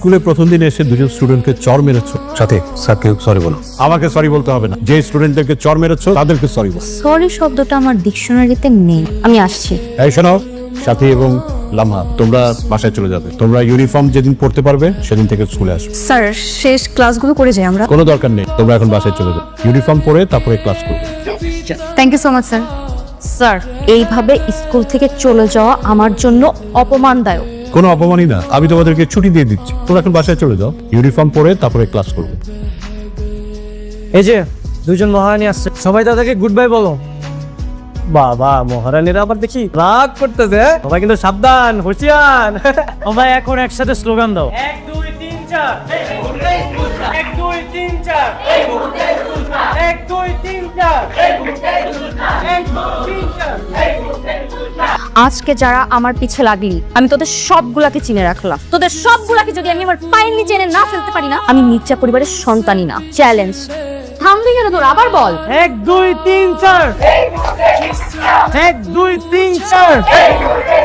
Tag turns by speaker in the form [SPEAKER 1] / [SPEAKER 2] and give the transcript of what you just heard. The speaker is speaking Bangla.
[SPEAKER 1] স্কুলে প্রথম দিন এসে দুজন স্টুডেন্টকে চর মেরেছো, সাথে স্যারকে সরি বলো। আমাকে সরি বলতে হবে না, যে স্টুডেন্টদেরকে চর মেরেছো তাদেরকে সরি বলো।
[SPEAKER 2] সরি শব্দটা আমার ডিকশনারিতে নেই, আমি আসছি।
[SPEAKER 1] এই শোনো, সাথী এবং লামহা, তোমরা বাসায় চলে যাবে। তোমরা ইউনিফর্ম যেদিন পড়তে পারবে সেদিন থেকে স্কুলে আসবে।
[SPEAKER 2] স্যার, শেষ ক্লাসগুলো করে যাই আমরা।
[SPEAKER 1] কোনো দরকার নেই, তোমরা এখন বাসায় চলে যাবে। ইউনিফর্ম পরে তারপরে ক্লাস করবে।
[SPEAKER 2] Thank you so much sir. Sir, এইভাবে স্কুল থেকে চলে যাওয়া আমার জন্য অপমানদায়ক।
[SPEAKER 1] কোনো অপমানই না, আমি তোমাদেরকে ছুটি দিয়ে দিচ্ছি। তোমরা এখন বাসায় চলে যাও, ইউনিফর্ম পরে তারপরে ক্লাস করবে।
[SPEAKER 3] এই যে দুজন মহারানী আসছে, সবাই তাদেরকে গুড বাই বলো। বাবা, মহারানীরা আবার দেখি রাগ করতেছে। সবাই কিন্তু সাবধান, হুঁশিয়ার। সবাই এখন একসাথে স্লোগান দাও, 1 2 3 4 1 2 3 4 1 2 3 4 1 2 3 4।
[SPEAKER 2] আজকে যারা আমার পিছে লাগলি, আমি তোদের সবগুলাকে চিনে রাখলাম। তোদের সবগুলাকে যদি আমি আমার পায়ের নিচে এনে না ফেলতে পারি না, আমি মির্জা পরিবারের সন্তানই না। চ্যালেঞ্জ। থামবি কেন তোর? আবার বল।
[SPEAKER 3] 1 2 3 4 1 2 3 4